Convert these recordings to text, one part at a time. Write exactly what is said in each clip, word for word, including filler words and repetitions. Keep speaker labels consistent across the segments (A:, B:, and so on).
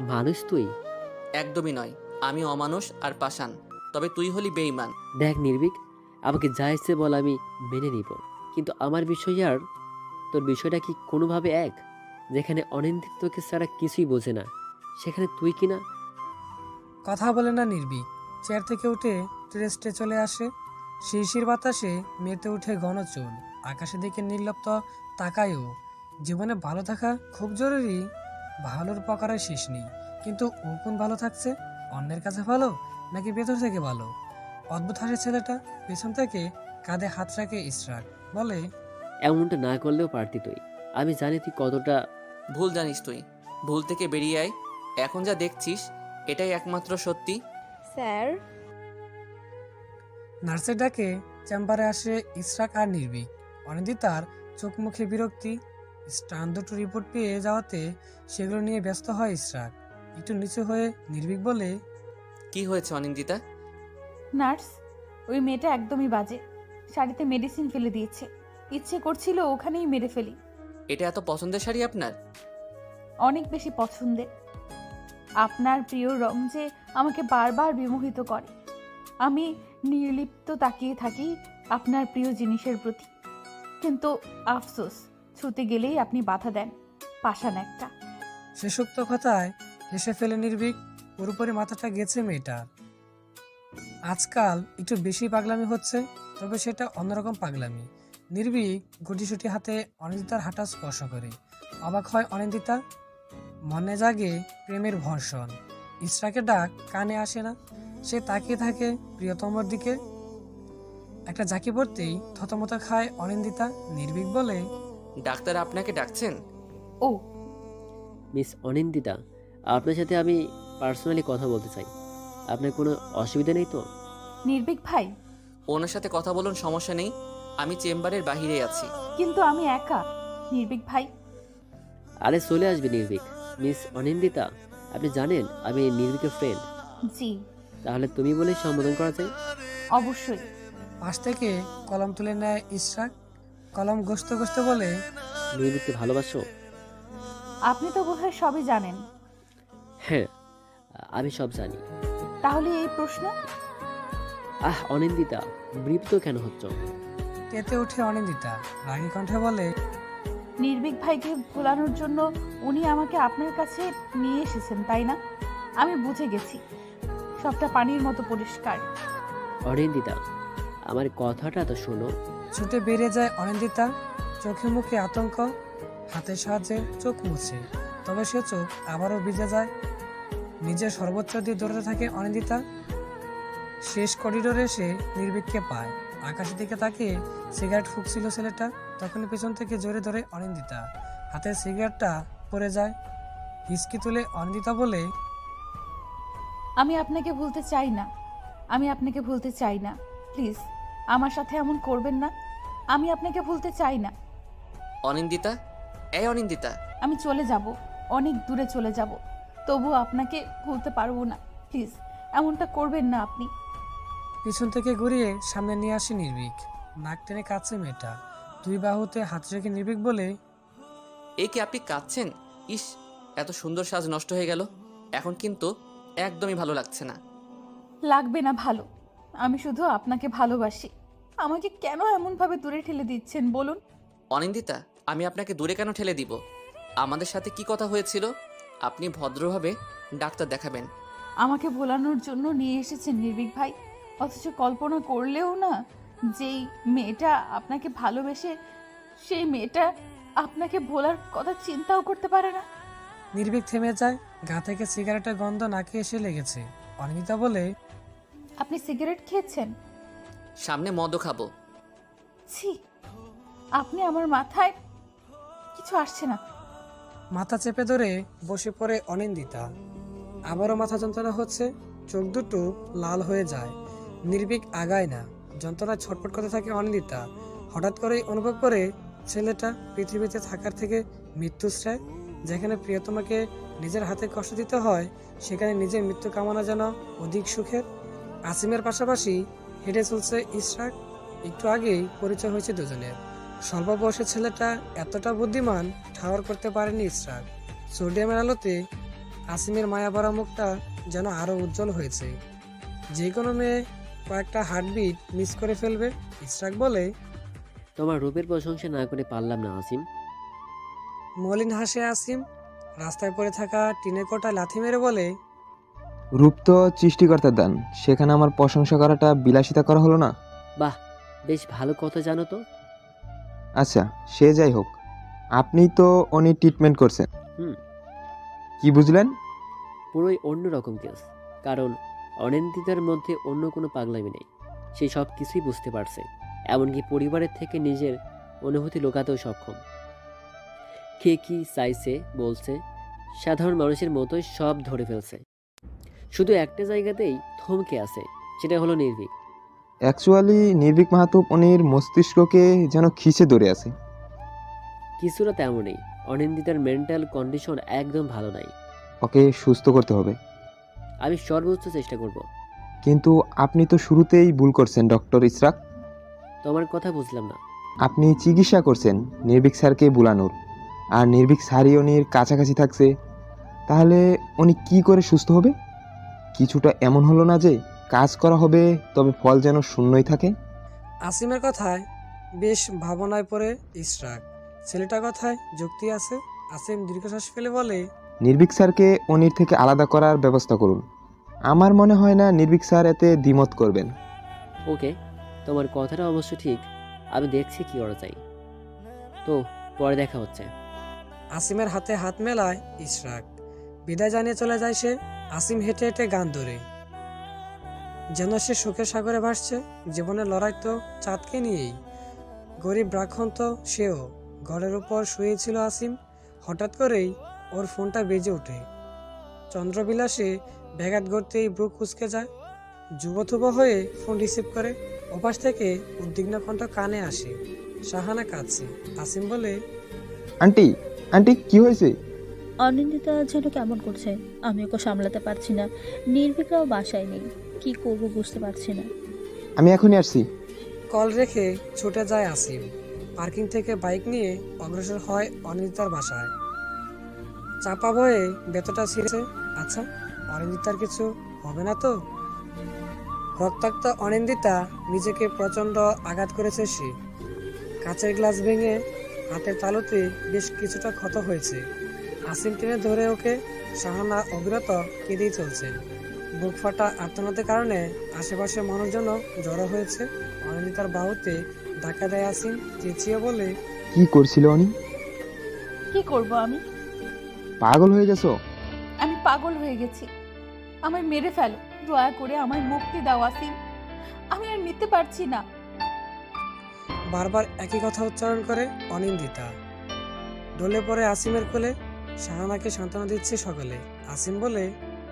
A: মানুষ তুই?
B: একদমই নয়, আমি অমানুষ আর পাষাণ, তবে তুই হলি বেঈমান।
A: দেখ নির্ভীক, আমাকে যা ইচ্ছে বল, আমি মেনে নিব। কিন্তু আমার বিষয় আর তোর বিষয়টা কি কোনোভাবে এক? যেখানে অনিন্দিতকে ছাড়া কিছুই বোঝে না, সেখানে তুই কি না?
C: কথা বলে না নির্ভীক চেয়ার থেকে উঠে টেরেস্টে চলে আসে। শিরশির বাতাসে মেতে উঠে ঘন চুল, আকাশের দিকে নির্লিপ্ত তাকায়ও। জীবনে ভালো থাকা খুব জরুরি, ভালোর প্রকারের শেষ নেই। কিন্তু ও কোন ভালো থাকছে? অন্যের কাছে ভালো নাকি ভেতর থেকে ভালো? অদ্ভুত হাসে ছেলেটা। পেছন থেকে কাঁধে হাত রাখে ইশরাক, বলে,
A: এমনটা না করলেও পারতি তুই। আমি জানি তুই কতটা।
B: ভুল জানিস তুই, ভুল থেকে বেরিয়ে আয়। এখন যা দেখছিস এটাই একমাত্র সত্যি।
D: স্যার,
C: নার্সের ডাকে চেম্বারে আসে ইশরাক আর নির্ভীক। অনিন্দিতার চোখ মুখে বিরক্তি। স্টান দুটো রিপোর্ট পেয়ে যাওয়াতে সেগুলো নিয়ে ব্যস্ত হয় ইশরাক। একটু নিচু হয়ে নির্ভীক বলে,
B: কি হয়েছে অনিন্দিতা?
E: নার্স, ওই মেয়েটা একদমই বাজে। শাড়িতে মেডিসিন ফেলে দিয়েছে। ইচ্ছে করছিল ওখানেই মেরে ফেলি।
B: এটা এত পছন্দের শাড়ি আপনার?
E: অনেক বেশি পছন্দের। আপনার প্রিয় রং যে আমাকে বারবার বিমোহিত করে। আমি নির্লিপ্ত তাকিয়ে থাকি আপনার প্রিয় জিনিসের প্রতি। কিন্তু আফসোস, ছুতে গেলেই আপনি বাধা দেন। পাষাণ একটা।
C: শেষোক্ত কথায় হেসে ফেলে নির্ভীক। পুরোপুরি মাথাটা গেছে মেয়েটার। আজকাল একটু বেশি পাগলামি হচ্ছে, তবে সেটা অন্যরকম পাগলামি। নির্ভীক গুটিসুটি হাতে অনিন্দিতার হাঁটা স্পর্শ করে। অবাক হয় অনিন্দিতা। মনে জাগে প্রেমের ভর্ষণ। ইশরাকের ডাক কানে আসে না। সে তাকিয়ে থাকে প্রিয়তমর দিকে। একটা ঝাঁকি পড়তেই থতমত খায় অনিন্দিতা। নির্ভীক বলে,
B: ডাক্তার আপনাকে ডাকছেন?
E: ও,
A: মিস অনিন্দিতা, আপনার সাথে আমি পার্সোনালি কথা বলতে চাই। আপনার কোনো অসুবিধা নেই তো?
E: নির্ভীক ভাই,
B: ওনার সাথে কথা বলুন, সমস্যা নেই। আমি চেম্বারের বাহিরে আছি।
E: কিন্তু আমি একা। নির্ভীক ভাই,
A: আরে চলে আসবে নির্ভীক। মিস অনিন্দিতা, আপনি জানেন আমি নির্ভীকের ফ্রেন্ড।
E: জি,
A: তাহলে তুমি বলেই সম্বোধন করা যায়।
E: অবশ্যই।
C: পাশ থেকে কলম তুলে নেয় ইশরাক। কলম গসতে গসতে বলে,
A: নির্ভীককে ভালোবাসো?
E: আপনি তো বোধহয় সবই জানেন।
A: হ্যাঁ, আমি সব জানি।
E: তাহলে এই প্রশ্ন?
A: আহ অনিন্দিতা, বিরক্ত কেন হচ্ছ?
C: তেতে উঠে অনিন্দিতা রাগী কণ্ঠে বলে,
E: নির্ভীক ভাইকে ভোলানোর জন্য উনি আমাকে আপনার কাছে নিয়ে এসেছেন, তাই না? আমি বুঝে গেছি, সবটা পানির মতো পরিষ্কার।
A: অনিন্দিতা, আমার কথাটা তো শোনো।
C: ছুটে বেরিয়ে যায় অনিন্দিতা। চোখে মুখে আতঙ্ক। হাতের সাহায্যে চোখ মুছে, তবে সে চোখ আবারও ভিজে যায়। নিজের সর্বোচ্চ দিয়ে দৌড়াতে থাকে অনিন্দিতা। শেষ করিডোরে এসে নির্ভীককে পায়। আকাশের দিকে তাকিয়ে সিগারেট ফুঁকছিল ছেলেটা। তখনই পেছন থেকে জোরে ধরে অনিন্দিতা। হাতের সিগারেটটা পড়ে যায়। হিসকি তুলে অনিন্দিতা বলে,
E: আমি আপনাকে ভুলতে চাই না। আমি আপনাকে ভুলতে চাই না। প্লিজ, আমার সাথে এমন করবেন না। আমি আপনাকে ভুলতে চাই না।
B: অনিন্দিতা, এই অনিন্দিতা।
E: আমি চলে যাব, অনেক দূরে চলে যাব, তবু আপনাকে ভুলতে পারবো না। প্লিজ, এমনটা করবেন না আপনি।
C: পিছন থেকে ঘুরিয়ে সামনে নিয়ে আসে নির্ভীক। নাক টেনে কাছে মেয়েটা। দুই বাহুতে হাত রেখে নির্ভীক বলে,
B: এ কি আপনি কাঁদছেন? ইস, এত সুন্দর সাজ নষ্ট হয়ে গেল। এখন কিন্তু একদমই ভালো লাগছে না।
E: লাগবে না ভালো। আমি শুধু আপনাকে ভালোবাসি। আমাকে কেন এমনভাবে দূরে ঠেলে দিচ্ছেন বলুন?
B: অনিন্দিতা, আমি আপনাকে দূরে কেন ঠেলে দিব? আমাদের সাথে কি কথা হয়েছিল? আপনি ভদ্রভাবে ডাক্তার দেখাবেন।
E: আমাকে ভোলানোর জন্য নিয়ে এসেছেন নির্ভীক ভাই, অথচ কল্পনা করলেও না, যেই মেয়েটা আপনাকে ভালোবেসে সেই মেয়েটা আপনাকে ভোলার কথা চিন্তাও করতে পারে না।
C: নির্ভীক থেমে যায়। গা থেকে সিগারেটের গন্ধ নাকে এসে লেগেছে। অনিন্দিতা বলে,
E: আপনি সিগারেট খেয়েছেন?
B: সামনে মদও খাবো।
E: ছি, আপনি আমার মাথায় কিছু আসছে না।
C: মাথা চেপে ধরে বসে পড়ে অনিন্দিতা। আবারও মাথা যন্ত্রণা হচ্ছে। চোখ দুটো লাল হয়ে যায়। নির্ভীক আগায় না। যন্ত্রণায় ছটফট করতে থাকে অনিন্দিতা। হঠাৎ করেই অনুভব করে ছেলেটা পৃথিবীতে থাকার থেকে মৃত্যুশ্রায়। যেখানে প্রিয়তমাকে নিজের হাতে কষ্ট দিতে হয়, সেখানে নিজের মৃত্যু কামনা যেন অধিক সুখের। আসিমের পাশাপাশি হেঁটে চলছে ইশরাক। একটু আগেই পরিচয় হয়েছে দুজনের। স্বল্প বয়সের ছেলেটা এতটা বুদ্ধিমান ঠাওর করতে পারেনি ইশরাক। সোডিয়ামের আলোতে আসিমের মায়াভরা মুখটা যেন আরো উজ্জ্বল হয়েছে। যে কোনো মেয়ে কয়েকটা হার্টবিট মিস করে ফেলবে। ইশরাক বলে,
A: তোমার রূপের প্রশংসা না করে পারলাম না আসিম।
C: মলিন হাসে আসিম। রাস্তায় পড়ে থাকা টিনের কোটা লাথি মেরে বলে,
D: রূপ তো সৃষ্টিকর্তার দান, সেখানে আমার প্রশংসা করাটা বিলাসিতা করা হলো না।
A: বাহ, বেশ ভালো কথা জানো তো।
D: আচ্ছা, সে যাই হোক, আপনি তো উনি ট্রিটমেন্ট করছেন।
A: হুম।
D: কি বুঝলেন?
A: পুরোই অন্য রকম কেস। কারণ অনিন্দিতার মধ্যে অন্য কোনো পাগলামি নেই। সে সব কিছুই বুঝতে পারছে, এমনকি পরিবারের থেকে নিজের অনুভূতি লুকাতেও সক্ষম। কে কি চাইছে বলছে, সাধারণ মানুষের মতোই সব ধরে ফেলছে। শুধু একটা জায়গাতেই থমকে আছে, সেটা হলো নির্ভীক।
D: অ্যাকচুয়ালি নির্ভীক মাহাতো উনির মস্তিষ্ককে যেন খিচে ধরে আছে।
A: কিছুটা তেমনই। অনিন্দিতার মেন্টাল কন্ডিশন একদম ভালো নাই।
D: ওকে সুস্থ করতে হবে।
A: আমি সর্বোচ্চ চেষ্টা করব।
D: কিন্তু আপনি তো শুরুতেই ভুল করছেন ডক্টর ইশরাক।
A: তোমার কথা বুঝলাম না।
D: আপনি চিকিৎসা করছেন নির্ভীক স্যারকে বুলানোর, আর নির্ভীক স্যারই উনির কাছাকাছি থাকছে। তাহলে উনি কি করে সুস্থ হবে? কিছুটা এমন হলো না যে কাজ করা হবে তবে ফল যেন শূন্যই থাকে?
C: আসিমের কথায় বেশ ভাবনায় পড়ে ইশরাক। ছেলেটার কথায় যুক্তি আছে। আসিম দীর্ঘশ্বাস ফেলে বলে,
D: নির্ভীক স্যারকে অনির থেকে আলাদা করার ব্যবস্থা করুন। আমার মনে হয় না নির্ভীক স্যার এতে দ্বিমত করবেন।
A: ওকে, তোমার কথাটা অবশ্য ঠিক। আমি দেখছি কি করা যায়। তো পরে দেখা হচ্ছে।
C: আসিমের হাতে হাত মেলায় ইশরাক। বিদায় জানিয়ে চলে যায় সে। আসিম হেঁটে হেঁটে গান ধরে, যেন সে সুখের সাগরে ভাসছে। জীবনের লড়াই তো চাঁদকে নিয়েই। গরিব ব্রাহ্মণ তো সেও। ঘরের উপর শুয়েছিল আসিম। হঠাৎ করেই ওর ফোনটা বেজে ওঠে। চন্দ্রবিলাসে ব্যাঘাত ঘটতেই ব্রু কুঁচকে যায়। যুবথুব হয়ে ফোন রিসিভ করে। ওপাশ থেকে উদ্বিগ্ন কণ্ঠ কানে আসে। শাহানা কাঁদছে। আসিম বলে,
D: আন্টি, আন্টি কি হয়েছে?
F: অনিন্দিতা যেন কেমন করছে, আমি ওকে সামলাতে পারছি না। নির্ভীকরাও বাসায় নেই, কি করব বুঝতে পারছি না।
D: আমি এখনই আসছি।
C: কল রেখে ছুটে যায় আসিম। পার্কিং থেকে বাইক নিয়ে অগ্রসর হয় অনিন্দিতার বাসায়। চাপা বয়ে বেতটা ছিঁড়েছে। আচ্ছা, অনিন্দিতার কিছু হবে না তো? রক্তাক্ত অনিন্দিতা নিজেকে প্রচণ্ড আঘাত করেছে সে। কাঁচের গ্লাস ভেঙে হাতের তালুতে বেশ কিছুটা ক্ষত হয়েছে। আসিম টেনে ধরে ওকে। শাহানা অবিরত কেঁদেই চলছে। বুক ফাটা আর্তনাদের কারণে আশেপাশের মানুষজন জড়ো হয়েছে। অনিন্দিতার বাহুতে ধাক্কা দেয় আসিম। চেঁচিয়ে বলে,
D: কি করছিল উনি?
E: কি করব আমি?
D: পাগল হয়ে গেছো?
E: আমি পাগল হয়ে গেছি। আমায় মেরে ফেলো, দয়া করে আমায় মুক্তি দাও আসিম। আমি আর নিতে পারছি না।
C: বারবার একই কথা উচ্চারণ করে অনিন্দিতা। ডলে পড়ে আসিমের কোলে। শাহানাকে সান্ত্বনা দিচ্ছে সকলে। আসিম বলে,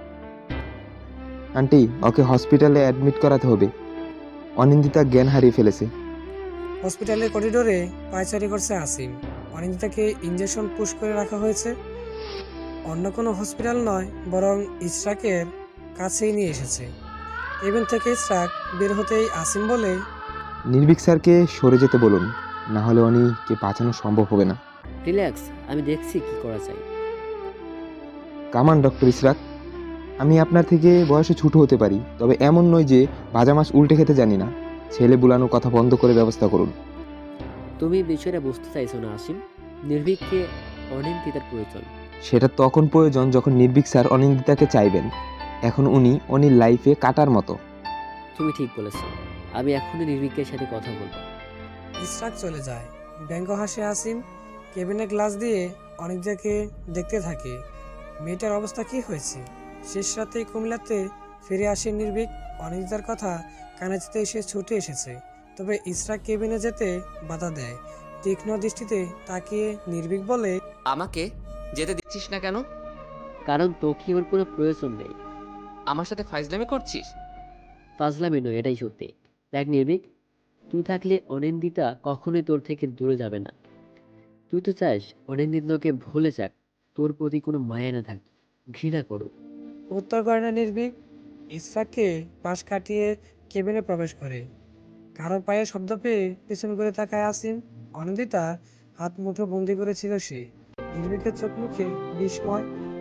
D: আন্টি, ওকে হসপিটালে অ্যাডমিট করাতে হবে। অনিন্দিতা জ্ঞান হারিয়ে ফেলেছে।
C: হসপিটালের করিডোরে পায়চারি করছে আসিম। অনিন্দিতাকে ইঞ্জেকশন পুশ করে রাখা হয়েছে। অন্য কোনো হসপিটাল নয়, বরং ইশরাকের কাছেই নিয়ে এসেছে। কেবিন থেকে ইশরাক বের হতেই আসিম বলে,
D: নির্ভীক স্যারকে সরে যেতে বলুন, না হলে অনিকে বাঁচানো সম্ভব হবে না।
A: রিল্যাক্স, আমি দেখছি কি করা যায়।
D: কামান ডক্টর ইশরাক, আমি আপনার থেকে বয়সে ছোট হতে পারি, তবে এমন নয় যে ভাজা মাছ উল্টে খেতে জানি না। ছেলে বুলানোর কথা বন্ধ করে ব্যবস্থা করুন।
A: তুমি বিষয়টা বুঝতে চাইছো না আসিম। নির্ভীককে অনিন্দিতার প্রয়োজন।
D: সেটা তখন প্রয়োজন যখন নির্ভীক স্যার অনিন্দিতাকে চাইবেন। এখন উনি অনির লাইফে কাটার মতো।
A: তুমি ঠিক বলেছো। আমি এখনই নির্ভীকের সাথে কথা বলবো।
C: ইশরাক চলে যায়। ব্যঙ্গ হাসে আসিম। কেবিনে গ্লাস দিয়ে অনিন্দিতাকে দেখতে থাকে। মেয়েটার অবস্থা কি হয়েছে? শেষ রাতেই কুমিল্লাতে ফিরে আসে নির্ভীক। অনিন্দিতার কথা কানে যেতে সে ছুটে এসেছে। তবে ইশরাক কেবিনে যেতে বাধা দেয়। তীক্ষ্ণ দৃষ্টিতে তাকিয়ে নির্ভীক বলে,
B: আমাকে যেতে দিচ্ছিস না কেন?
A: কারণ তোকে ওর কোনো প্রয়োজন নেই।
B: আমার সাথে ফাইজলামি করছিস?
A: ফাজলামি নয়, এটাই সত্যি। দেখ নির্ভীক, তুই থাকলে অনিন্দিতা কখনোই তোর থেকে দূরে যাবে না। তুই তো চাস অনিন্দিতাকে ভুলে যাক, তোর প্রতি কোনো মায়া না থাক, ঘৃণা করুক।
C: উত্তর করে না নির্ভীক। ইশরাককে পাশ কাটিয়ে কেবিনে প্রবেশ করে। কারো পায়ের শব্দ পেয়ে পিছন করে তাকায় আসিম। অনিন্দিতা হাত মুঠো বন্দি করেছিল সে। নির্ভীকের চোখ মুখে বিস্ময়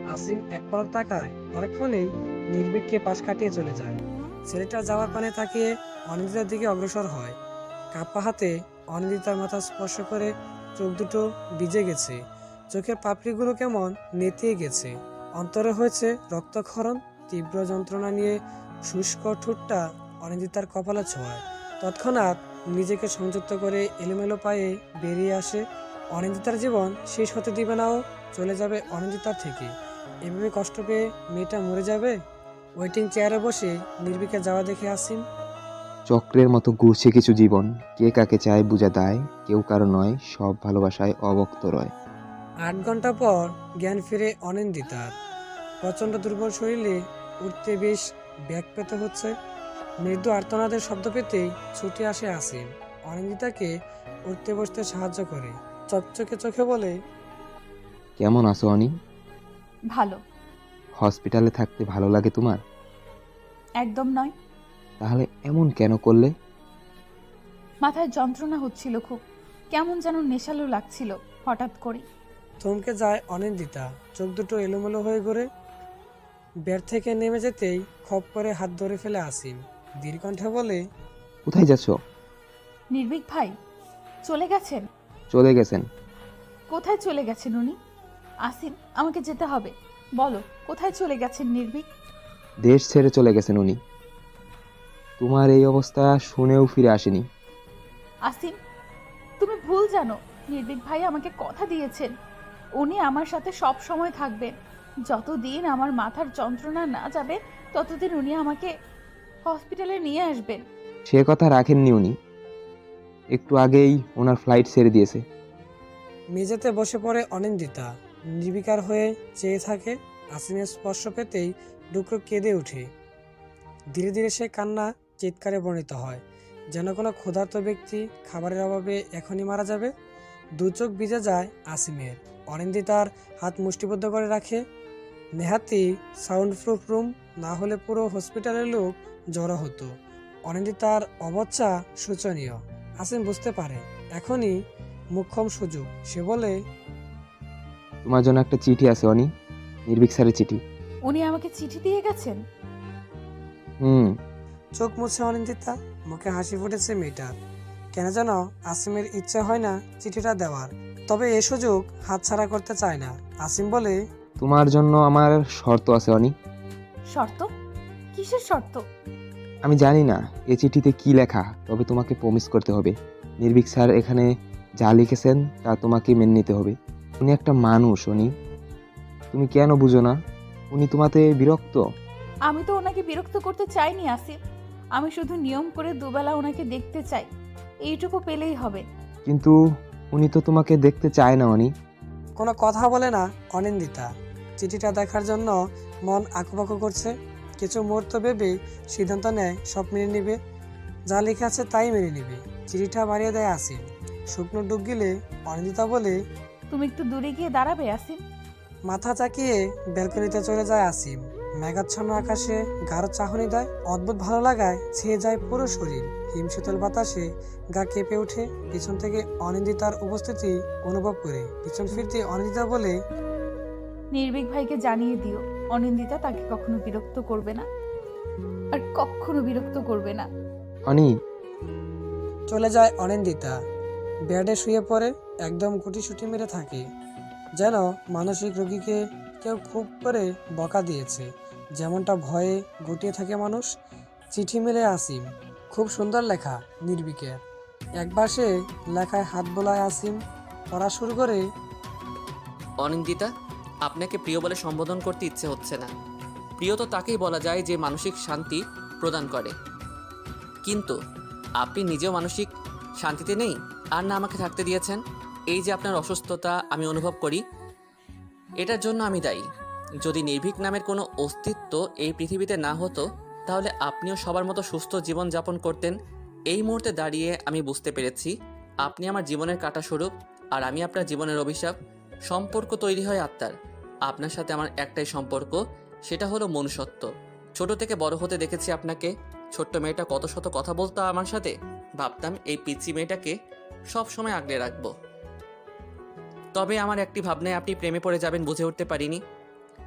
C: আসিম এক পলক তাকায়, অনেকক্ষণেই নির্ভীককে পাশ কাটিয়ে চলে যায়। ছেলেটা যাওয়ার পানে তাকিয়ে অনিন্দিতার দিকে অগ্রসর হয়। কাপ্পা হাতে অনিন্দিতার মাথা স্পর্শ করে চোখ দুটো ভিজে গেছে, চোখের পাপড়িগুলো কেমন নেতিয়ে গেছে, অন্তরে হয়েছে রক্তক্ষরণ। তীব্র যন্ত্রণা নিয়ে শুষ্ক ঠোঁটটা অনিন্দিতার কপালে ছোঁয়ায়। তৎক্ষণাৎ নিজেকে সংযুক্ত করে এলোমেলো পায়ে বেরিয়ে আসে। অনিন্দিতার জীবন শেষ হতে দিবে না, ও চলে যাবে অনিন্দিতার থেকে। এভাবে কষ্ট পেয়ে মেয়েটা মরে যাবে। ওয়েটিং চেয়ারে বসে নির্বিকে যাওয়া দেখে আসিম।
D: চক্রের মতো ঘুরছে কিছু জীবন, কে কাকে চায় বুঝা দায়, কেউ কারো নয়, সব ভালোবাসায় অবক্ত রয়।
C: আট ঘন্টা পর জ্ঞান ফিরে অনিন্দিতার। প্রচণ্ড দুর্বল শরীরে উঠতে বেশ ব্যাগ পেতে হচ্ছে। মৃদু আর্তনাদের শব্দ পেতেই ছুটে আসে আসিম, অনিন্দিতাকে উঠতে বসতে সাহায্য করে। চকচকে চোখে বলে,
D: কেমন আছো অনি?
E: ভালো।
D: হসপিটালে থাকতে ভালো লাগে তোমার?
E: একদম নয়।
D: তাহলে এমন কেন করলে?
E: মাথায় যন্ত্রণা হচ্ছিল খুব, কেমন যেন নেশালো লাগছিল হঠাৎ করে।
C: থমকে যায় অনিন্দিতা, চোখ দুটো এলোমেলো হয়ে ঘুরে। বেড থেকে নেমে যেতেই খপ করে হাত ধরে ফেলে আসিম, দীর্ঘকণ্ঠে বলে,
D: কোথায় যাচ্ছ?
E: নির্ভীক ভাই চলে গেছেন?
D: চলে গেছেন?
E: কোথায় চলে গেছেন উনি? আসিম, আমাকে যেতে হবে, বলো কোথায় চলে গেছেন নির্ভীক?
D: দেশ ছেড়ে চলে গেছেন উনি। তোমার এই অবস্থা শুনেও ফিরে আসেনি।
E: আসিম, তুমি ভুল জানো। নির্ভীক ভাই আমাকে কথা দিয়েছেন, উনি আমার সাথে সব সময় থাকবেন। যতদিন আমার মাথার যন্ত্রণা না যাবে ততদিন উনি আমাকে হসপিটালে নিয়ে আসবেন।
D: সে কথা রাখেননি উনি, একটু আগেই ওনার ফ্লাইট ছেড়ে দিয়েছে।
C: মেঝেতে বসে পড়ে অনিন্দিতা, নির্বিকার হয়ে চেয়ে থাকে। আসিমের স্পর্শ পেতেই ডুকরো কেঁদে ওঠে। ধীরে ধীরে সে কান্না চিৎকারে বর্ণিত হয়, যেন কোনো ক্ষুধার্ত ব্যক্তি খাবারের অভাবে এখনই মারা যাবে। দু চোখ ভিজে যায় আসিমের। অনিন্দিতার হাত মুষ্টিবদ্ধ করে রাখে। নেহাতি সাউন্ড প্রুফ রুম না হলে পুরো হসপিটালের লোক জড়ো হতো। অনিন্দিতার অবচ্ছা শোচনীয়। আসিম বুঝতে পারে এখনই মুখ্যম সুযোগ। সে বলে,
D: তোমার জন্য একটা চিঠি আছে অনি, নির্ভীক স্যারের চিঠি।
E: উনি আমাকে চিঠি দিয়ে গেছেন?
D: হুম।
C: চোখ মুছে অনিন্দিতা, মুখে হাসি ফুটেছে মেয়েটার। কেন যেন আসিমের ইচ্ছে হয় না চিঠিটা দেওয়ার, তবে এ সুযোগ হাতছাড়া করতে চায় না। আসিম বলে,
D: তোমার জন্য আমার শর্ত আছে অনি।
E: শর্ত? কিসের শর্ত?
D: আমি জানি না এ চিঠিতে কি লেখা, তবে তোমাকে প্রমিস করতে হবে, নির্ভীক স্যার এখানে যা লিখেছেন তা তোমাকে মেনে নিতে হবে। উনি একটা মানুষ অনি, তুমি কেন বুঝো না? উনি তোমাতে বিরক্ত।
E: আমি তো ওনাকে বিরক্ত করতে চাইনি আসিফ, আমি শুধু নিয়ম করে দুবেলা ওনাকে দেখতে চাই, এইটুকু পেলেই হবে।
D: কিন্তু উনি তো তোমাকে দেখতে চায় না অনি।
C: কোনো কথা বলে না অনিন্দিতা। চিঠিটা দেখার জন্য মন আঁকুপাকু করছে। কিছু মুহূর্ত ভেবে সিদ্ধান্ত নেয় সব মেনে নিবে, যা লেখা আছে তাই মেনে নিবে। চিঠিটা বাড়িয়ে দেয় আসিম। শুকনো ডুব গিলে অনিন্দিতা বলে,
E: তুমি একটু দূরে গিয়ে দাঁড়াবে আসিফ?
C: মাথা চাকিয়ে ব্যালকনিতে চলে যায় আসিম। মেঘাচ্ছন্ন আকাশে গাঢ় চাহনি দেয়, অদ্ভুত ভালো লাগায় ছেয়ে যায় পুরো শরীর। হিমশীতল বাতাসে গা কেঁপে ওঠে। পিছন থেকে অনিন্দিতার উপস্থিতি অনুভব করে পিছন ফিরতে অনিন্দিতা বলে,
E: নির্ভীক ভাইকে জানিয়ে দিও অনিন্দিতা তাকে কখনো বিরক্ত করবে না, আর কখনো বিরক্ত করবে না।
D: অনি।
C: চলে যায় অনিন্দিতা। বেডে শুয়ে পড়ে একদম গুটিসুটি মেরে থাকে, যেন মানসিক রোগীকে কেউ খুব করে বকা দিয়েছে। যেমনটা ভয়ে গুটিয়ে থাকে মানুষ। চিঠি মেলে আসিম। খুব সুন্দর লেখা নির্বিকের। একবার সে লেখায় হাত বোলায় আসিম। পড়া শুরু করে,
B: অনিন্দিতা, আপনাকে প্রিয় বলে সম্বোধন করতে ইচ্ছে হচ্ছে না। প্রিয় তো তাকেই বলা যায় যে মানসিক শান্তি প্রদান করে, কিন্তু আপনি নিজেও মানসিক শান্তিতে নেই, আর না আমাকে থাকতে দিয়েছেন। এই যে আপনার অসুস্থতা আমি অনুভব করি, এটার জন্য আমি দায়ী। যদি নির্ভীক নামের কোনো অস্তিত্ব এই পৃথিবীতে না হতো, তাহলে আপনিও সবার মতো সুস্থ জীবন যাপন করতেন। এই মুহূর্তে দাঁড়িয়ে আমি বুঝতে পেরেছি আপনি আমার জীবনের কাঁটা স্বরূপ, আর আমি আপনার জীবনের অভিশাপ। সম্পর্ক তৈরি হয় আত্মার। আপনার সাথে আমার একটাই সম্পর্ক, সেটা হলো মনুষ্যত্ব। ছোট থেকে বড় হতে দেখেছি আপনাকে। ছোট্ট মেয়েটা কত শত কথা বলতো আমার সাথে, ভাবতাম এই পিচ্চি মেয়েটাকে সব সময় আগলে রাখবো। তবে আমার একটি ভাবনায় আপনি প্রেমে পড়ে যাবেন বুঝে উঠতে পারিনি।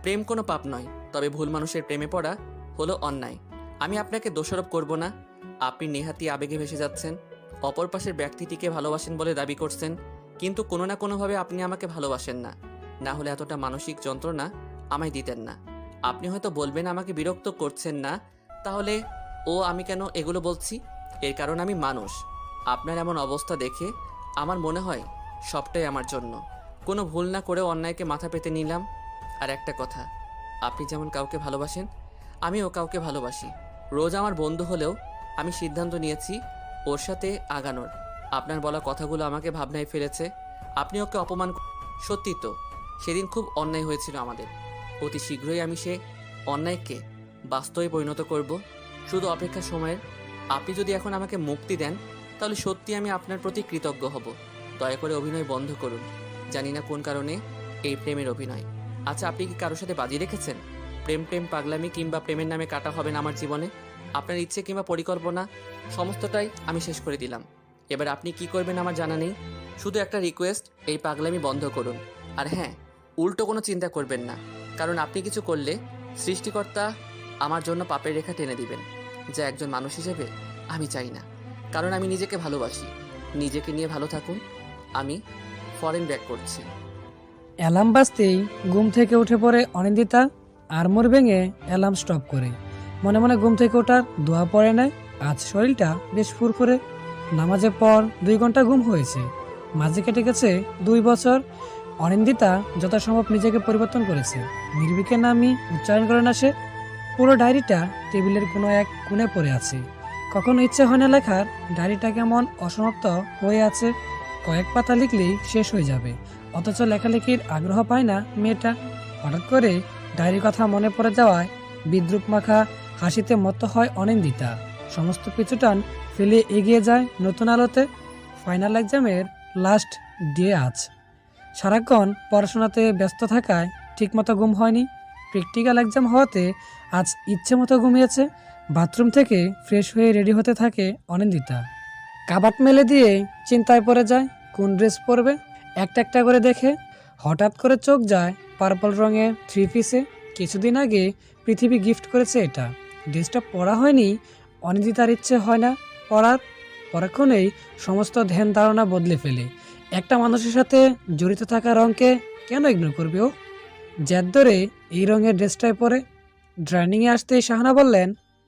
B: প্রেম কোনো পাপ নয়, তবে ভুল মানুষের প্রেমে পড়া হলো অন্যায়। আমি আপনাকে দোষারোপ করব না। আপনি নেহাতি আবেগে ভেসে যাচ্ছেন, অপর পাশের ব্যক্তিটিকে ভালোবাসেন বলে দাবি করছেন, কিন্তু কোনো না কোনোভাবে আপনি আমাকে ভালোবাসেন না। না হলে এতটা মানসিক যন্ত্রণা আমায় দিতেন না। আপনি হয়তো বলবেন আমাকে বিরক্ত করছেন না, তাহলে ও আমি কেন এগুলো বলছি? এর কারণ আমি মানুষ। আপনার এমন অবস্থা দেখে আমার মনে হয় সবটাই আমার জন্য। কোনো ভুল না করেও অন্যায়কে মাথা পেতে নিলাম। আর একটা কথা, আপনি যেমন কাউকে ভালোবাসেন, আমিও কাউকে ভালোবাসি। রোজ আমার বন্ধু হলেও আমি সিদ্ধান্ত নিয়েছি ওর সাথে আগানোর। আপনার বলা কথাগুলো আমাকে ভাবনায় ফেলেছে। আপনি ওকে অপমান ক- সত্যি তো, সেদিন খুব অন্যায় হয়েছিল আমাদের। অতি শীঘ্রই আমি সে অন্যায়কে বাস্তবে পরিণত করব। শুধু অপেক্ষা সময়ের। আপনি যদি এখন আমাকে মুক্তি দেন, তাহলে সত্যি আমি আপনার প্রতি কৃতজ্ঞ হব। দয়া করে অভিনয় বন্ধ করুন। জানি না কোন কারণে এই প্রেমের অভিনয়। আচ্ছা, আপনি কি কারোর সাথে বাজি রেখেছেন? প্রেম প্রেম পাগলামি কিংবা প্রেমের নামে কাটা হবে না আমার জীবনে। আপনার ইচ্ছে কিংবা পরিকল্পনা সমস্তটাই আমি শেষ করে দিলাম। এবার আপনি কি করবেন আমার জানা নেই। শুধু একটা রিকোয়েস্ট, এই পাগলামি বন্ধ করুন। আর হ্যাঁ, উল্টো কোনো চিন্তা করবেন না, কারণ আপনি কিছু করলে সৃষ্টিকর্তা আমার জন্য পাপের রেখা টেনে দিবেন, যা একজন মানুষ হিসেবে আমি চাই না। কারণ আমি নিজেকে ভালোবাসি। নিজেকে নিয়ে ভালো থাকুন। আমি ফরেন ব্যাক করছি।
C: অ্যালার্ম বাজতেই ঘুম থেকে উঠে পড়ে অনিন্দিতা, আড়মোড় ভেঙে অ্যালার্ম স্টপ করে মনে মনে ঘুম থেকে ওঠার দোয়া পড়ে নেয়। আজ শরীরটা বেশ ফুরফুরে। নামাজের পর দুই ঘন্টা ঘুম হয়েছে। মাঝে কেটে গেছে দুই বছর। অনিন্দিতা যথাসম্ভব নিজেকে পরিবর্তন করেছে। নির্ভীকের নামই উচ্চারণ করে না সে। পুরো ডায়েরিটা টেবিলের কোনো এক কোণে পড়ে আছে। কখনো ইচ্ছে হয় না লেখার, ডায়েরিটা কেমন অসমাপ্ত হয়ে আছে। কয়েক পাতা লিখলেই শেষ হয়ে যাবে, অথচ লেখালেখির আগ্রহ পায় না মেয়েটা। হঠাৎ করে ডায়েরির কথা মনে পড়ে যাওয়ায় বিদ্রুপ মাখা হাসিতে মত্ত হয় অনিন্দিতা। সমস্ত পিছুটান ফেলে এগিয়ে যায় নতুন আলোতে। ফাইনাল এক্সামের লাস্ট ডে আজ। সারাক্ষণ পড়াশোনাতে ব্যস্ত থাকায় ঠিকমতো ঘুম হয়নি। প্র্যাকটিক্যাল এক্সাম হওয়াতে আজ ইচ্ছে মতো ঘুমিয়েছে। বাথরুম থেকে ফ্রেশ হয়ে রেডি হতে থাকে অনিন্দিতা। কাবাট মেলে দিয়ে চিন্তায় পড়ে যায় কোন ড্রেস পরবে। একটা একটা করে দেখে হঠাৎ করে চোখ যায় পার্পল রঙের থ্রি পিসে। কিছুদিন আগে পৃথিবী গিফট করেছে এটা। ড্রেসটা পরা হয়নি, অনিন্দিতার ইচ্ছে হয় না পরার। পরক্ষণেই সমস্ত ধ্যান ধারণা বদলে ফেলে। একটা মানুষের সাথে জড়িত থাকা রঙকে কেন ইগনোর করবে ও? জেদ ধরে এই রঙের ড্রেসটাই পরে ড্রাইনিংয়ে আসতেই শাহানা বললেন,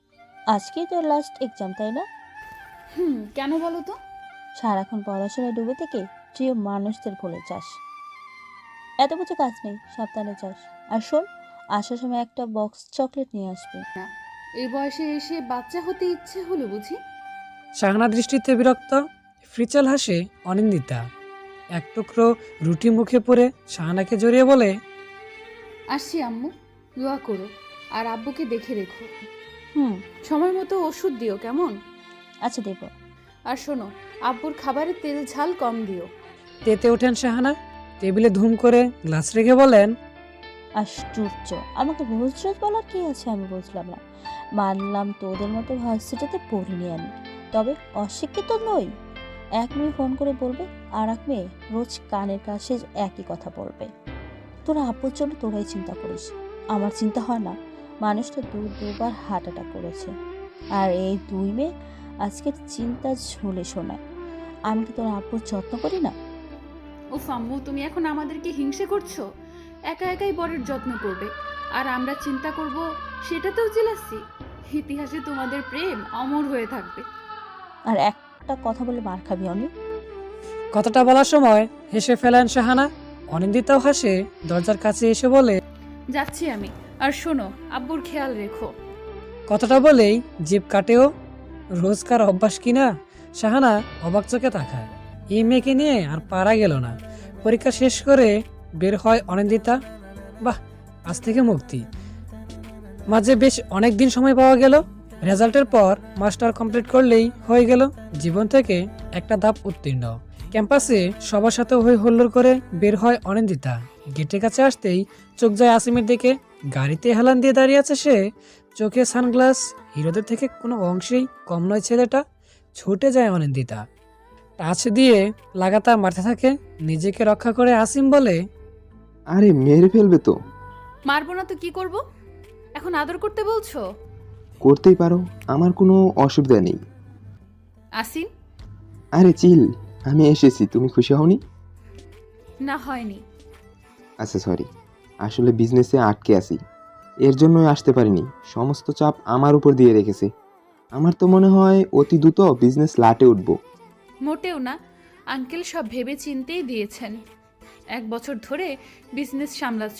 F: আজকেই তোর লাস্ট এক্সাম, তাই না?
E: হুম, কেন বলো তো?
F: সারাক্ষণ পড়াশোনায় ডুবে থেকে প্রিয় মানুষদের ভুলে যাস। এত কিছু কাজ নেই, সাবধানে যাস। আর শোন, আসার সময় একটা বক্স চকলেট নিয়ে আসবে।
E: এই বয়সে এসে বাচ্চা হতে ইচ্ছে হলো বুঝি?
C: শাহানা দৃষ্টিতে বিরক্ত। ফ্রিচাল হাসে অনিন্দিতা। এক টুকরো রুটি মুখে পড়ে শাহানাকে জড়িয়ে বলে,
E: আসছি আম্মু, দোয়া করো আর আব্বুকে দেখে রেখো।
F: হুম,
E: সময় মতো ওষুধ দিও কেমন?
F: আচ্ছা দেব।
E: আর শোনো, আব্বুর খাবারে তেল ঝাল কম দিও।
C: তেতে ওঠেন শাহানা। টেবিলে ধুম করে গ্লাস রেখে বলেন,
F: আশ্চর্য, আমাকে রোজ রোজ বলার কি আছে আমি বুঝলাম না। মানলাম তোদের মতো ভার্সিটিতে পড়িনি আমি, তবে অশিক্ষিত নই। এক মেয়ে ফোন করে বলবে, আর এক মেয়ে রোজ কানের কাছে একই কথা বলবে। তোরা আপুর জন্য তোরাই চিন্তা করিস, আমার চিন্তা হয় না। মানুষটা দু দুবার হার্ট অ্যাটাক করেছে, আর এই দুই মেয়ে আজকের চিন্তা ঝুলে শোনায়। আমি কি তোর আপুর যত্ন করি না?
E: ও আম্মু, তুমি এখন আমাদেরকে হিংসে করছো? একা একাই বরের যত্ন করবে আর আমরা চিন্তা করব, সেটাতেও জেলাসি? ইতিহাসে তোমাদের প্রেম অমর হয়ে থাকবে।
F: আর একটা কথা বলে মার খাবি অনি।
C: কথাটা বলার সময় হেসে ফেলেন শাহানা। অনিন্দিতাও হাসে দরজার কাছে এসে বলে,
E: যাচ্ছি আমি। আর শোনো, আব্বুর খেয়াল রেখো।
C: কথাটা বলেই জিভ কাটেও। রোজকার অভ্যাস কিনা? শাহানা অবাক চোখে তাকায়। এই মেয়েকে নিয়ে আর পারা গেল না। পরীক্ষা শেষ করে বের হয় অনিন্দিতা। বাহ, আজ থেকে মুক্তি। মাঝে বেশ অনেক দিন সময় পাওয়া গেল। রেজাল্টের পর মাস্টার কমপ্লিট করলেই হয়ে গেল। জীবন থেকে একটা ধাপ উত্তীর্ণ। ক্যাম্পাসে সবার সাথে হই হুল্লোড় করে বের হয় অনিন্দিতা। গেটের কাছে আসতেই চোখ যায় আসিমের দিকে। গাড়িতে হেলান দিয়ে দাঁড়িয়ে আছে সে। চোখে সানগ্লাস, হিরোদের থেকে কোনো অংশেই কম নয় ছেলেটা। ছুটে যায় অনিন্দিতা, টাচ দিয়ে লাগাতার মারতে থাকে। নিজেকে রক্ষা করে আসিম বলে,
D: আরে মেরে ফেলবে তো।
E: মারবো না তো কি করব? এখন আদর করতে বলছো?
D: করতেই পারো, আমার কোনো অসুবিধা নেই।
E: আসিন।
D: আরে চিল, আমি এসেছি, তুমি খুশি হওনি?
E: না, হয়নি।
D: আচ্ছা সরি, আসলে বিজনেসে আটকে আছি, এর জন্যই আসতে পারিনি। সমস্ত চাপ আমার উপর দিয়ে রেখেছে। আমার তো মনে হয় অতি দ্রুত বিজনেস লাটে উঠবো।
E: মোটেও না, আঙ্কেল সব ভেবে চিন্তেই দিয়েছেন। এক বছর ধরে বিজনেস সামলাচ্ছ,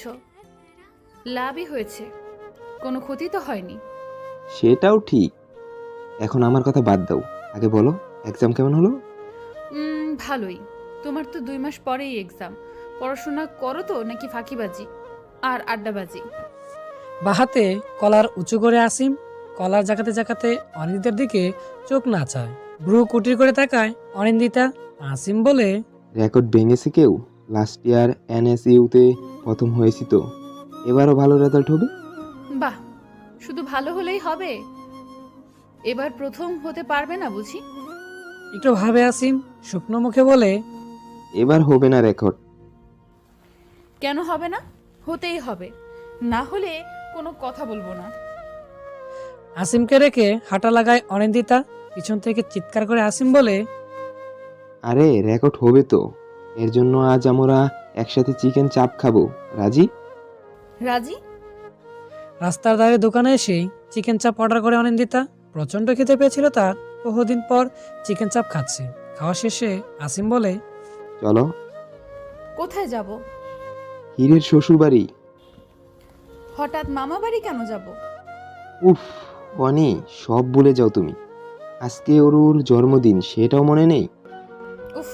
E: লাভই হয়েছে, কোনো ক্ষতি তো হয়নি।
D: সেটাও ঠিক। এখন আমার কথা বাদ দাও, আগে বলো এক্সাম কেমন হলো?
E: উম, ভালোই। তোমার তো দুই মাস পরেই এক্সাম। পড়াশোনা করো তো নাকি ফাঁকিবাজি আর আড্ডাবাজি?
C: বাহাতে কলার উঁচু করে আসিম কলার জাকাতে জাকাতে অনিন্দিতার দিকে চোখ নাচায়, ভ্রু কুটির করে তাকায় অনিন্দিতা। আসিম বলে,
D: রেকর্ড ভেঙেছে কেউ? লাস্ট ইয়ার এনএসইউতে প্রথম হয়েছি তো, এবারও ভালো রেজাল্ট হবে।
E: বাহ, শুধু ভালো হলেই হবে? এবার প্রথম হতে পারবে না বুঝি?
C: একটু ভাবে আসিম শুকনো মুখে বলে,
D: এবার হবে না রেকর্ড।
E: কেন হবে না? হতেই হবে, না হলে কোনো কথা বলবো না।
C: আসিমকে রেখে হাঁটা লাগায় অনিন্দিতা। পিছন থেকে চিৎকার করে আসিম বলে,
D: আরে রেকর্ড হবে তো, এর জন্য আজ আমরা একসাথে চিকেন চাপ খাবো, রাজি?
E: রাজি।
C: রাস্তার ধারে দোকানে এসেই চিকেন চাপ অর্ডার করে অনিন্দিতা। প্রচন্ড খেতে পেয়েছিল তার, বহুদিন পর চিকেন চাপ খাচ্ছে। খাওয়া শেষে আসিম বলে,
D: চলো।
E: কোথায় যাব?
D: হীরের শ্বশুর বাড়ি।
E: হঠাৎ মামা বাড়ি কেন যাব?
D: উফ অনি, সব ভুলে যাও তুমি। আজকে অরুর জন্মদিন, সেটাও মনে নেই?
E: উফ,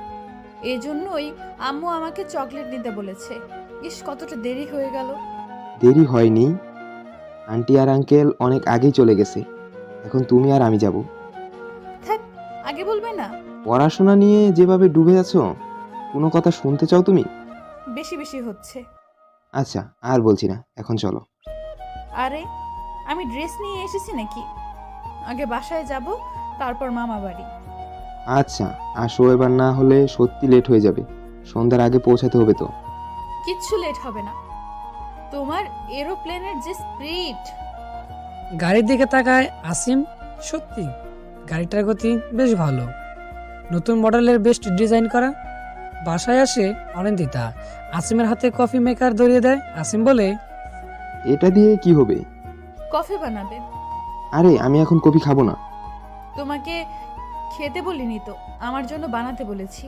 E: এজন্যই আম্মু আমাকে চকলেট নিতে বলেছে। ইস, কতটা দেরি হয়ে গেল।
D: দেরি হয়নি, আন্টি আর আঙ্কেল অনেক আগেই চলে গেছে, এখন তুমি আর আমি যাব।
E: থাক, আগে বলবে না?
D: পড়াশোনা নিয়ে যেভাবে ডুবে আছো, কোনো কথা শুনতে চাও তুমি?
E: বেশি বেশি হচ্ছে।
D: আচ্ছা আর বলছি না, এখন চলো।
E: আরে, আমি ড্রেস নিয়ে এসেছি নাকি? আগে বাসায় যাব, তারপর মামা বাড়ি।
D: আচ্ছা আসো, এবার না হলে সত্যি লেট হয়ে যাবে, সন্ধ্যার আগে পৌঁছাতে হবে তো।
E: কিচ্ছু লেট হবে না। তোমার এরোপ্লেনের যে স্পিড!
C: গাড়ির দিকে তাকায় আসিম। সত্যি গাড়িটার গতি বেশ ভালো, নতুন মডেলের বেস্ট ডিজাইন করা। বাসায় আসে অনিন্দিতা, আসিমের হাতে কফি মেকার ধরিয়ে দেয়। আসিম বলে,
D: এটা দিয়ে কি হবে?
E: কফি বানাবে।
D: আরে আমি এখন কফি খাবো না।
E: তোমাকে খেতে বলিনি তো, আমার জন্য বানাতে বলেছি।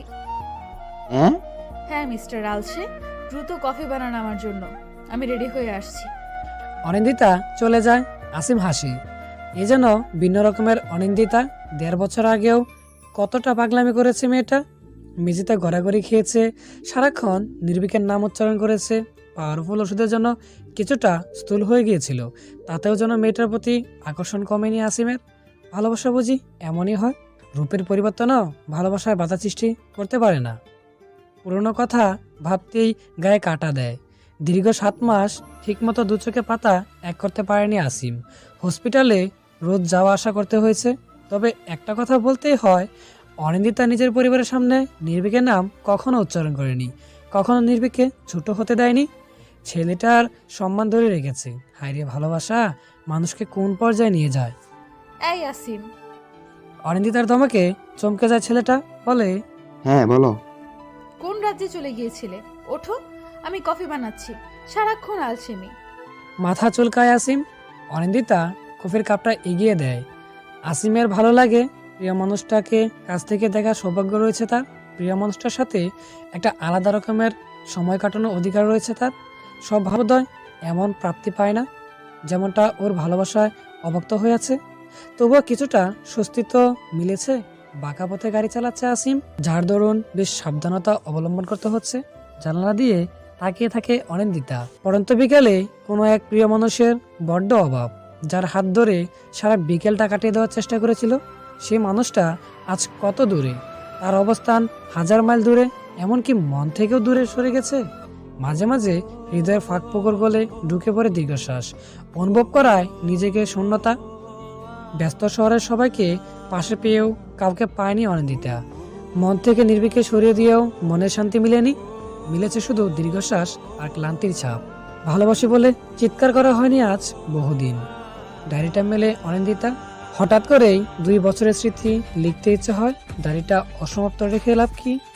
D: হ্যাঁ?
E: হ্যাঁ মিস্টার আলসে, দ্রুত কফি বানান আমার জন্য, আমি রেডি হয়ে আসছি।
C: অনিন্দিতা চলে যায়। আসিম হাসি, এ যেন ভিন্ন রকমের অনিন্দিতা। দেড় বছর আগেও কতটা পাগলামি করেছে মেয়েটা। মেঝেতে গড়াগড়ি খেয়েছে, সারাক্ষণ নির্ভীকের নাম উচ্চারণ করেছে। পাওয়ারফুল ওষুধের জন্য কিছুটা স্থূল হয়ে গিয়েছিল, তাতেও যেন মেয়েটার প্রতি আকর্ষণ কমেনি আসিমের। ভালোবাসা বুঝি এমনই হয়, রূপের পরিবর্তনও ভালোবাসায় বাধা সৃষ্টি করতে পারে না। পুরনো কথা ভাবতেই গায়ে কাটা দেয়। দীর্ঘ সাত মাস ঠিকমতো দু চোখে পাতা এক করতে পারেনি আসিম। হসপিটালে রোজ যাওয়া আসা করতে হয়েছে। তবে একটা কথা বলতেই হয়, অনিন্দিতা নিজের পরিবারের সামনে নির্ভীকের নাম কখনো উচ্চারণ করেনি, কখনো নির্ভীককে ছোট হতে দেয়নি। ছেলেটার সম্মান ধরে রেখেছে। হায়রে ভালোবাসা মানুষকে কোন পর্যায়ে নিয়ে যায়।
E: এই আসিম!
C: অনিন্দিতার ধমকে চমকে যায় ছেলেটা, বলে,
D: হ্যাঁ বলো।
E: কোন রাজ্যে চলে গিয়েছিলে? ওঠো, আমি কফি বানাচ্ছি। সারাক্ষণ আলসেমি।
C: মাথা চুলকায় আসিম। অনিন্দিতা কফির কাপটা এগিয়ে দেয়। আসিমের ভালো লাগে, প্রিয় মানুষটাকে কাছ থেকে দেখার সৌভাগ্য রয়েছে তার। প্রিয় মানুষটার সাথে একটা আলাদা রকমের সময় কাটানোর অধিকার রয়েছে তার। সব ভাবোদয় এমন প্রাপ্তি পায় না, যেমনটা ওর ভালোবাসায় অভক্ত হয়ে আছে। তবুও কিছুটা স্বস্তি তো মিলেছে। বাঁকা পথে গাড়ি চালাচ্ছে আসিম, যার দরুন বেশ সাবধানতা অবলম্বন করতে হচ্ছে। জানালা দিয়ে তাকিয়ে থাকে অনিন্দিতা। পরন্ত বিকেলে কোনো এক প্রিয় মানুষের বড্ড অভাব, যার হাত ধরে সারা বিকেলটা কাটিয়ে দেওয়ার চেষ্টা করেছিল। সেই মানুষটা আজ কত দূরে, তার অবস্থান হাজার মাইল দূরে, এমনকি মন থেকেও দূরে সরে গেছে। মাঝে মাঝে হৃদয়ের ফাঁক ফোকর গলে ঢুকে পড়ে দীর্ঘশ্বাস, অনুভব করায় নিজেকে শূন্যতা। ব্যস্ত শহরের সবাইকে পাশে পেয়েও কাউকে পায়নি অনিন্দিতা। মন থেকে নির্ভীকে সরিয়ে দিয়েও মনের শান্তি মিলেনি, মিলেছে শুধু দীর্ঘশ্বাস আর ক্লান্তির ছাপ। ভালোবাসি বলে চিৎকার করা হয়নি আজ বহুদিন। ডায়েরিটা মেলে অনিন্দিতা। হঠাৎ করেই দুই বছরের স্মৃতি লিখতে ইচ্ছে হয়। ডায়েরিটা অসমাপ্ত রেখে লাভ কি?